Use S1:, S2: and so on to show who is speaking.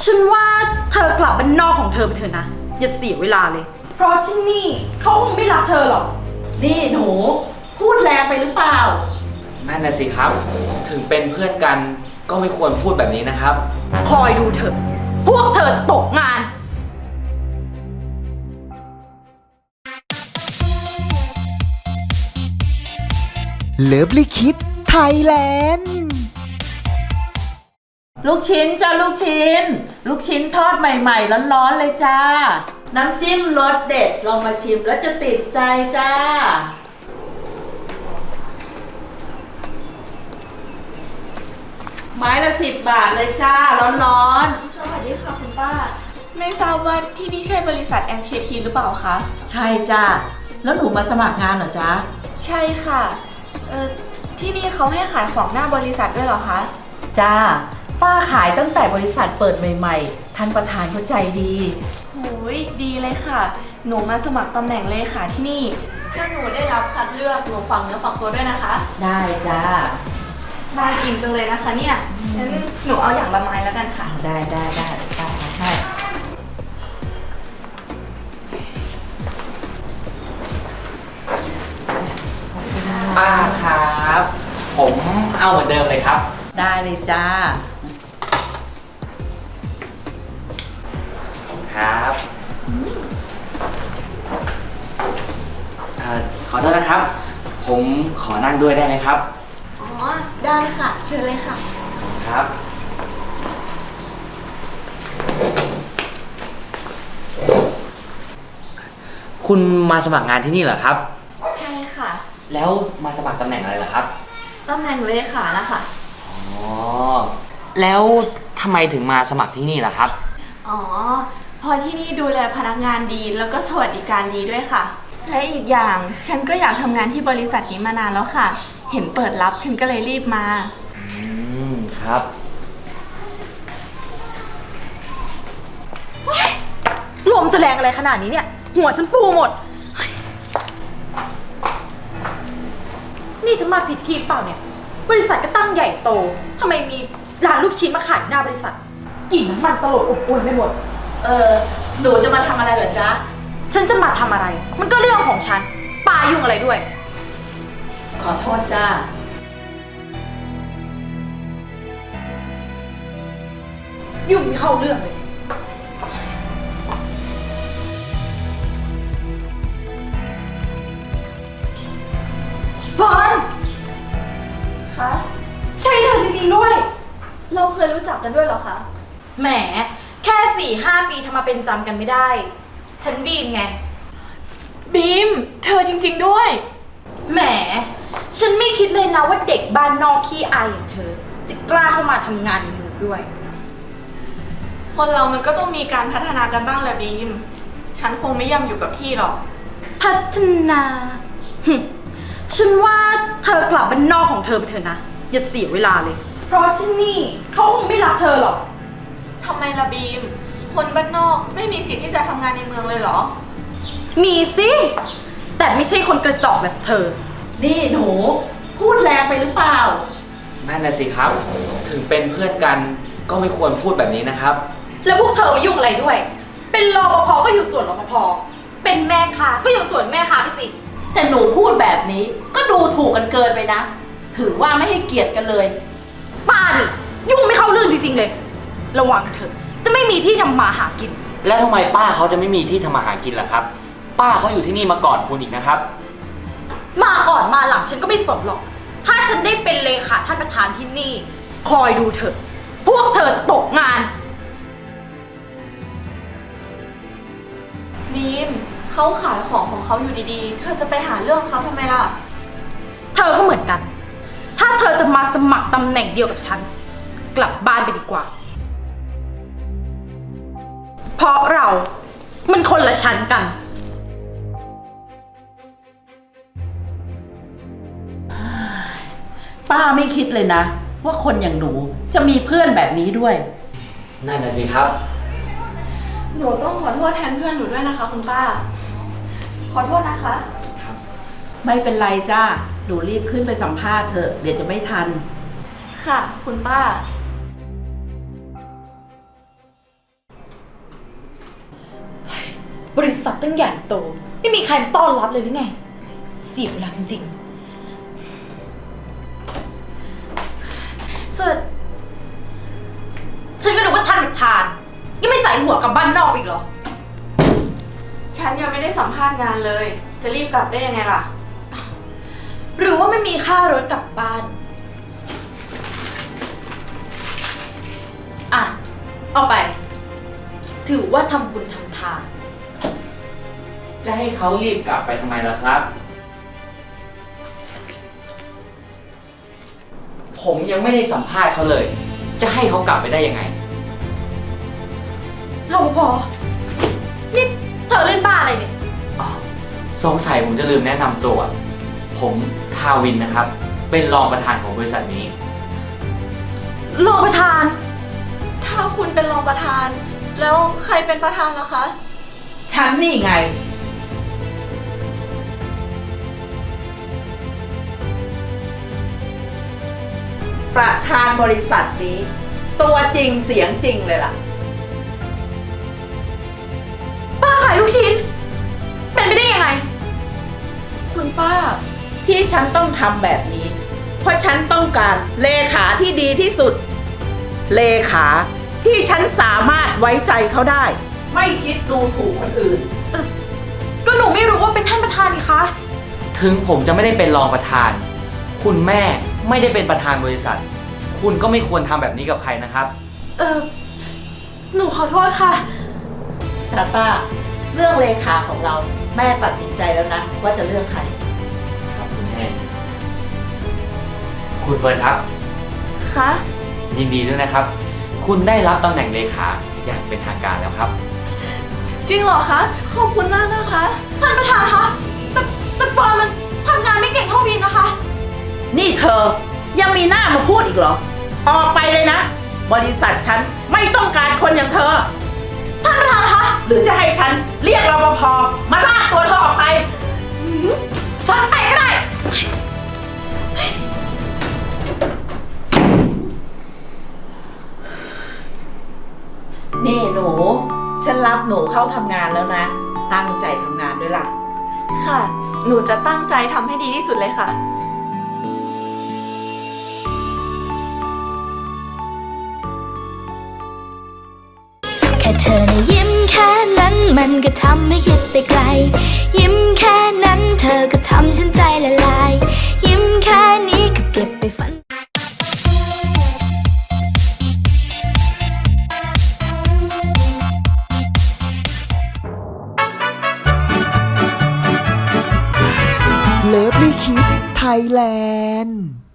S1: ฉันว่าเธอกลับบ้านนอกของเธอไปเถอะนะอย่าเสียเวลาเลยเพราะที่นี่เขาคงไม่รับเธอหรอก
S2: นี่หนูพูดแรงไปหรือเปล่า
S3: นั่นน่ะสิครับถึงเป็นเพื่อนกันก็ไม่ควรพูดแบบนี้นะครับ
S1: คอยดูเถอะพวกเธอจะตกงาน
S4: เลิฟลิคิดไทยแลนด์
S2: ลูกชิ้นจ้าลูกชิ้นลูกชิ้นทอดใหม่ๆร้อนๆเลยจ้าน้ำจิ้มรสเด็ดลองมาชิมแล้วจะติดใจจ้าไม้ละ10 บาทเลยจ้าร้อน
S5: ๆสวัสดีค่ะคุณป้าไม่ทราบว่าที่นี่ใช่บริษัท MKT หรือเปล่าคะ
S2: ใช่จ้าแล้วหนูมาสมัครงานเหรอจ๊ะ
S5: ใช่ค่ะที่นี่เขาให้ขายของหน้าบริษัทด้วยเหรอคะ
S2: จ้าป้าขายตั้งแต่บริษัทเปิดใหม่ๆท่านประธานเขาใจดี
S5: โหยดีเลยค่ะหนูมาสมัครตำแหน่งเลขาที่นี่ถ้าหนูได้รับคัดเลือกหนูฝังเนื้อฝังตัวด้วยนะคะ
S2: ได้จ้า
S5: น่ากินจังเลยนะคะเนี่ยงั้นหนูเอาอย่างละไม้แล้วกันค่ะ
S2: ได้ให้
S3: ป้าครับผมเอาเหมือนเดิมเลยครับ
S2: ได้เลยจ้า
S3: ครับขอโทษนะครับผมขอนั่งด้วยได้ไหมครับ
S5: อ๋อได้ค่ะเชิญเลยค่ะ
S3: ครับคุณมาสมัครงานที่นี่เหรอครับ
S5: ใช่ค่ะ
S3: แล้วมาสมัครตำแหน่งอะไรเหรอครับ
S5: ตำแหน่งเลขานะคะ
S3: อ๋อแล้วทำไมถึงมาสมัครที่นี่ล่ะครับ
S5: อ๋อพอที่นี่ดูแลพนักงานดีแล้วก็สวัสดิการดีด้วยค่ะและอีกอย่างฉันก็อยากทำงานที่บริษัทนี้มานานแล้วค่ะเห็นเปิดรับฉันก็เลยรีบมา
S3: ครับ
S1: ลมจะแรงอะไรขนาดนี้เนี่ยหัวฉันฟูหมดนี่ฉันมาผิดที่เปล่าเนี่ยบริษัทก็ตั้งใหญ่โตทำไมมีร้านลูกชิ้นมาขายหน้าบริษัทกลิ่นน้ำมันตลบอบอวนไปหมด
S2: หนูจะมาทำอะไรเหรอจ๊ะ
S1: ฉันจะมาทำอะไรมันก็เรื่องของฉันป้ายุ่งอะไรด้วย
S2: ขอโทษจ้า
S1: ยุ่งไม่เข้าเรื่องเลยฟอน
S5: คะ
S1: ใช่เธอจริงๆด้วย
S5: เราเคยรู้จักกันด้วยเหรอคะ
S1: แหมแค่4-5 ปีทำมาเป็นจำกันไม่ได้ฉันบีมไง
S5: บีมเธอจริงๆด้วย
S1: แหมฉันไม่คิดเลยนะว่าเด็กบ้านนอกขี้อายอย่างเธอจะกล้าเข้ามาทำงานในเมืองด้วย
S5: คนเรามันก็ต้องมีการพัฒนากันบ้างแหละบีมฉันคงไม่ย่ำอยู่กับที่หรอก
S1: พัฒนาฉันว่าเธอกลับบ้านนอกของเธอไปเถอะนะอย่าเสียเวลาเลยเพราะที่นี่เขาคงไม่รับเธอหรอก
S5: ทำไมล่ะบีมคนบ้านนอกไม่มีสิทธิ์ที่จะทำงานในเมืองเลยเหรอ
S1: มีสิแต่ไม่ใช่คนกระจอกแบบเธอ
S2: นี่หนูพูดแรงไปหรือเปล่า
S3: นั่นน่ะสิครับถึงเป็นเพื่อนกันก็ไม่ควรพูดแบบนี้นะครับ
S1: แล้วพวกเธอมายุ่งอะไรด้วยเป็นรปภก็อยู่ส่วนรปภเป็นแม่ค้าก็อยู่ส่วนแม่ค้าไปสิ
S2: แต่หนูพูดแบบนี้ก็ดูถูกกันเกินไปนะถือว่าไม่ให้เกียรติกันเลย
S1: ป้านี่ยุ่งไม่เข้าเรื่องจริงๆเลยระวังเถอะจะไม่มีที่ทำมาหากิน
S3: แล้วทำไมป้าเขาจะไม่มีที่ทำมาหากินล่ะครับป้าเขาอยู่ที่นี่มาก่อนคุณอีกนะครับ
S1: มาก่อนมาหลังฉันก็ไม่สนหรอกถ้าฉันได้เป็นเลขาท่านประธานที่นี่คอยดูเถอะพวกเธอจะตกงาน
S5: บีมเขาขายของเขาอยู่ดีๆเธอจะไปหาเรื่องเขาทำไมล่ะ
S1: เธอก็เหมือนกันถ้าเธอจะมาสมัครตำแหน่งเดียวกับฉันกลับบ้านไปดีกว่าเพราะเรามันคนละชั้นกัน
S2: ป้าไม่คิดเลยนะว่าคนอย่างหนูจะมีเพื่อนแบบนี้ด้วย
S3: นั่นน่ะสิครับ
S5: หนูต้องขอโทษแทนเพื่อนหนูด้วยนะคะคุณป้าขอโทษนะคะ
S2: ไม่เป็นไรจ้าหนูรีบขึ้นไปสัมภาษณ์เถอะเดี๋ยวจะไม่ทัน
S5: ค่ะคุณป้า
S1: บริษัทตั้งใหญ่โต ไม่มีใครมาต้อนรับเลยหรือไง เสียเวลาจริงๆเสิร์ชฉันก็นึกว่าท่านประธานยังไม่ใส่หัวกลับบ้านนอกอีกเหรอ
S5: ฉันยังไม่ได้สัมภาษณ์งานเลย จะรีบกลับได้ยังไงล่ะ
S1: หรือว่าไม่มีค่ารถกลับบ้าน อ่ะ เอาไป ถือว่าทำบุญทำทาน
S3: จะให้เขารีบกลับไปทำไมล่ะครับ ผมยังไม่ได้สัมภาษณ์เขาเลย จะให้เขากลับไปได้ยังไง
S1: รปภ นี่เธอเล่นบ้าอะไรเนี่ย
S3: สงสัยผมจะลืมแนะนำตัว ผมทาวินนะครับ เป็นรองประธานของบริษัทนี้
S1: รองประธาน
S5: ถ้าคุณเป็นรองประธาน แล้วใครเป็นประธานล่ะคะ
S2: ฉันนี่ไง ประธานบริษัทนี้ ตัวจริงเสียงจริงเลยล่ะ
S1: ป้าขายลูกชิ้น เป็นไปได้ยังไง
S5: คุณป้า
S2: ที่ฉันต้องทำแบบนี้ เพราะฉันต้องการเลขาที่ดีที่สุด เลขาที่ฉันสามารถไว้ใจเขาได้ ไม่คิดดูถูกคนอื่น
S1: ก็หนูไม่รู้ว่าเป็นท่านประธานนี่คะ
S3: ถึงผมจะไม่ได้เป็นรองประธาน คุณแม่ไม่ได้เป็นประธานบริษัท คุณก็ไม่ควรทำแบบนี้กับใครนะครับ
S1: หนูขอโทษค่ะ
S2: ตาต้าเรื่องเลขาของเราแม่ตัดสินใจแล้วนะ ว่าจะเลือกใคร
S3: ครับคุณแม่ คุณเฟิร์นครับ
S5: คะ
S3: ยินดีด้วยนะครับ คุณได้รับตำแหน่งเลขาอย่างเป็นทางการแล้วครับ
S5: จริงเหรอคะ ขอบคุณมากนะคะ
S1: ท่านประธานคะ แต่เฟิร์นมันทำงานไม่เก่งเท่าวินนะคะ
S2: นี่เธอยังมีหน้ามาพูดอีกเหรอ ออกไปเลยนะ บริษัทฉันไม่ต้องการคนอย่างเธอ
S1: ท่านประธานคะ
S2: หรือจะให้ฉันเรียกรปภมาลากตัวเธอออกไป
S1: ฟังไปก็ได้
S2: นี่หนู ฉันรับหนูเข้าทำงานแล้วนะ ตั้งใจทำงานด้วยล่ะ
S5: ค่ะ หนูจะตั้งใจทำให้ดีที่สุดเลยค่ะ
S6: แค่เธอนะยิ้มแค่นั้นมันก็ทำให้คิดไปไกล ยิ้มแค่นั้นเธอก็ทำฉันใจละลาย ยิ้มแค่นี้ก็เก็บไปฝัน
S4: เลิฟลี่คิดไทยแลนด์